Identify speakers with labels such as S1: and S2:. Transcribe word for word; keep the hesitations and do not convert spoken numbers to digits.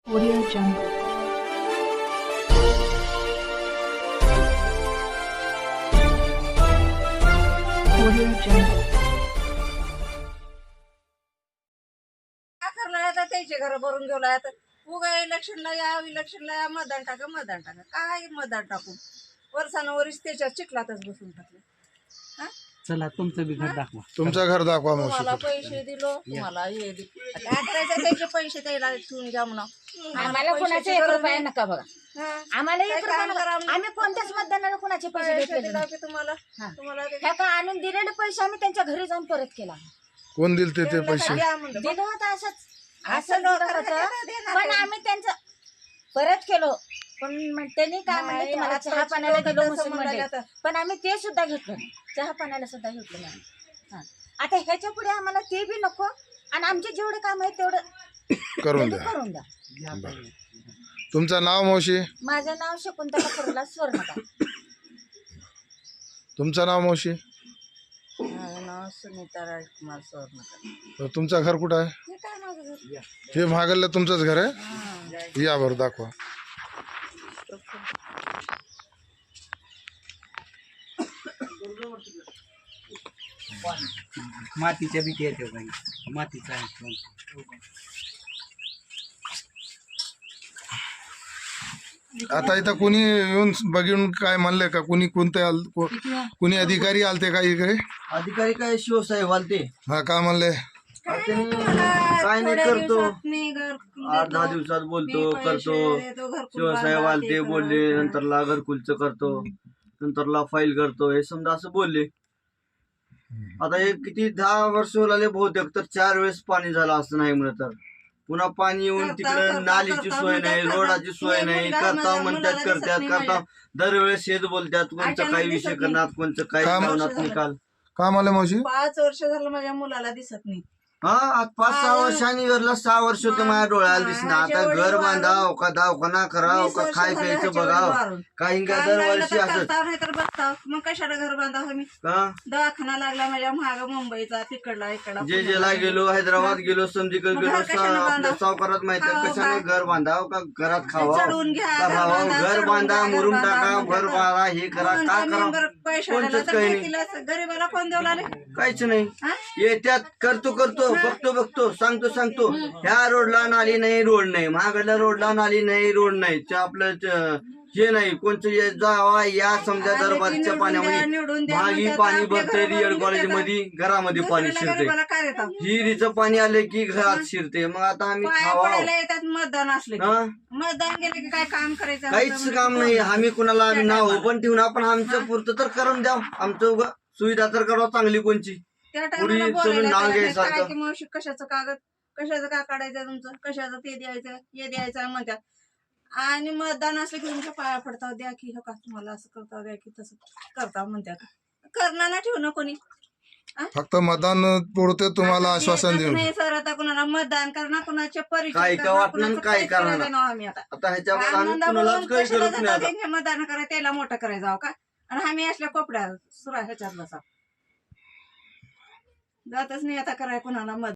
S1: Audio Jungle. Audio Jungle.
S2: काय करणार आता त्याचे घर भरून गेलो आता उगा इलेक्शनला या इलेक्शनला या मतदान टाका मतदान टाका काय मतदान टाकून वर्षानुवरीच त्याच्यात चिखलातच बसून टाकले हा
S3: चला तुमचं बी घर दाखवा.
S4: तुमचं घर दाखवा
S2: तुम्हाला
S4: मावशी.
S2: पैसे दिलो तुम्हाला हे दिलो काय करायचं त्याचे पैसे द्यायला ठेवून घ्या म्हणा
S5: आम्हाला कोणाचे एक रुपया नका बघा. आम्हाला एक
S2: काय
S5: रुपया
S2: काम
S5: नका.
S2: करा आम्ही?
S5: आम्ही कोणत्याच मतदानाला कोणाचे पैसे
S2: पैसे
S5: घेतलेले
S2: दिला
S5: नाही.
S2: की तुम्हाला
S5: हा.
S2: तुम्हाला ते-
S5: ह्या का आणून दिलेले पैसे आम्ही त्यांच्या घरी जाऊन परत केला.
S4: कोण दिल ते ते पैसे?
S2: द्या म्हणलं.
S5: दिलं होतं असंच
S2: असं
S5: असं
S2: लोक
S5: दिलं होतं
S2: देणार
S5: पण
S2: नाही.
S5: आम्ही त्यांचं परत केलो. पण मग त्यांनी काय म्हणले
S2: नाही,
S5: तुम्हाला
S2: आताची
S5: चहा पाण्याला
S2: लोकं
S5: दिलो
S2: तसं
S5: मुस्लिम
S2: म्हणाले
S5: मंडळी.
S2: आता.
S5: पण आम्ही ते सुद्धा घेतलं नाही. चहा पाण्याला सुद्धा घेतलं नाही. हा. आता ह्याच्या पुढे आम्हाला ते बी नको आणि आमचे जेवढे काम आहे तेवढं
S4: करून
S5: ते
S4: द्या.
S5: करून द्या.
S4: तुमचं नाव मावशी?
S5: माझं नाव शकुंतला फुरला स्वर्णकार.
S4: तुमचं नाव मावशी?
S2: माझं नाव सुनीता राजकुमार सोरनकर.
S4: तुमचं घर कुठं आहे?
S2: हे काय माझं घर?
S4: हे महागडलं तुमचंच घर आहे?
S2: हा.
S4: या बरं दाखवा.
S3: मातीच्या भीती येते बाई. मातीचा आहे.
S4: आता इथं कुणी येऊन बघून काय म्हणले का? कुणी कोणते आल को- कुणी अधिकारी आलते का इकडे?
S6: अधिकारी काय शिवसाहेब आलते
S4: हा काय म्हणले?
S6: त्यांनी
S2: मला
S6: काय नाही
S2: थोड्या
S6: करतो
S2: दिवसात मी घर
S6: आठ दहा
S2: देतो.
S6: दिवसात बोलतो
S2: मी पैसे
S6: करतो
S2: देतो, घरकुल
S6: शिवसाहेब
S2: बांधा,
S6: आलते
S2: ते
S6: बोलले
S2: करा.
S6: नंतरला घरकुलचं करतो नंतरला फाईल करतो हे समजा असं बोलले. आता हे किती दहा वर्ष झाले बहुतेक तर चार वेळेस पाणी झालं असं नाही म्हणत तर पुन्हा पाणी येऊन
S2: करता,
S6: तिकडे
S2: करता,
S6: नालीची
S2: करता
S6: सोय
S2: म्हणतात,
S6: नाही
S2: करता.
S6: रोडाची सोय
S2: हे
S6: नाही
S2: मुलगा
S6: करता
S2: माझ्या
S6: म्हणतात
S2: मुलाला दिसत
S6: करतात
S2: नाही
S6: करता
S2: माझ्या.
S6: दरवेळेस शेत बोलतात कोणचं
S2: अचानक
S6: काही
S2: दिसत
S6: विषय
S2: नाही.
S6: करणार कोणचं काही
S4: काम-
S6: लावणार निकाल.
S4: काय म्हणले मावशी?
S2: पाच वर्ष झालं माझ्या मुलाला दिसत नाही.
S6: हा आज पाच सहा वर्षांनी घरला सहा वर्ष होतं माझ्या डोळ्याला दिसणार आता
S2: माझ्या
S6: घर
S2: वडील
S6: बांधाव का दवाखाना कराव
S2: वीस
S6: का
S2: वर्ष
S6: खाय
S2: झालं
S6: प्यायचं
S2: ह्याच्या
S6: बघाव
S2: वडील वारून.
S6: काही का
S2: काम लागलं
S6: दरवर्षी
S2: तर
S6: असं
S2: करता नाही तर बसता मग कशाला घर बांधा मी
S6: का
S2: दवाखाना लागला माझ्या महाग मुंबईचा तिकडला इकडला
S6: जे जेला गेलो हैदराबाद गेलो समजीकडे
S2: मग
S6: गेलो
S2: घर कशाने
S6: सा-
S2: बांधाव?
S6: आपल्या सावकारात माहिती
S2: खावं
S6: कशाने
S2: काय?
S6: घर बांधाव का घरात खावा
S2: चढून घ्या,
S6: का
S2: घर
S6: राहावं
S2: बांधा,
S6: घर
S2: चढून
S6: बांधा
S2: घ्या, घर
S6: मुरुम
S2: बांधा,
S6: टाका
S2: म्हणतात.
S6: घर बांधा हे करा
S2: म्हणून
S6: का
S2: आम्ही
S6: करा
S2: बरं पैसे
S6: कोणचंच
S2: आलेला तर
S6: काही
S2: काय
S6: नाही.
S2: केलं असं? गरीबाला कोण देऊ लागले
S6: काहीच नाही
S2: हा?
S6: येत्यात करतो करतो बघतो बघतो सांगतो सांगतो ह्या रोडला नाली नाही रोड नाही महागडल्या रोडला नाली नाही रोड नाही च- आपलं च- हे नाही कोणचं ये जावा या समजा
S2: आले की
S6: दरबारच्या
S2: निवडून द्या,
S6: पाण्यामध्ये
S2: निवडून द्या
S6: भागी
S2: म्हणतात.
S6: पाणी
S2: आपल्या
S6: भरते
S2: घरामध्ये
S6: रिअल
S2: देतात.
S6: कॉलेजमध्ये घरामध्ये पाणी
S2: दुसऱ्याला
S6: शिरते
S2: गरीबाला काय देतात?
S6: हिरीचं पाणी आले की घरात शिरते मग आता आम्ही
S2: पाया
S6: खावा
S2: पडायला येतात मतदान असले की.
S6: हा?
S2: मतदान गेले की काय काम करायचं
S6: काहीच
S2: असतं
S6: काम
S2: म्हणजे
S6: नाही
S2: कोण?
S6: आम्ही कुणाला आम्ही
S2: त्या
S6: नाव
S2: टायमाला.
S6: पण ठेवून आपण आमचं पुरतं तर करून द्या आमचं उगा सुविधा तर करावं चांगली कोणची
S2: त्या
S6: पुरी
S2: टायमाला
S6: चलून
S2: बोलायला
S6: नाव
S2: त्याला
S6: घ्यायचं
S2: काय
S6: आता.
S2: की मावशी कशाचं कागद कशाचं का काढायचं तुमचं कशाचं ते द्यायचं हे द्यायचं म्हणतात आणि मतदान असलं की तुमच्या पाया पडताव द्या की हो का तुम्हाला असं करताव द्या की तसं करताव म्हणतात करणार ना ठेवणं कोणी
S4: फक्त मतदान पुरते तुम्हाला आश्वासन देऊन.
S2: नाही सर आता कुणाला मतदान करणार कुणाचे परिचय
S6: काय का
S2: करणार,
S6: वाटणार,
S2: कुणाचं
S6: काय
S2: काहीच
S6: करणार.
S2: करायचं नाही आम्ही आता
S6: आता ह्याच्यावर आम्ही
S2: आनंदा
S6: कुणालाच
S2: बोलून
S6: काही
S2: कशाला
S6: करत नाही
S2: जातात
S6: आता
S2: त्यांनी मतदान करा त्याला मोठं करायचं हो का आणि आम्ही असल्या कोपड्या सुरा ह्याच्यात बसा जातच नाही आता कराय कुणाला मत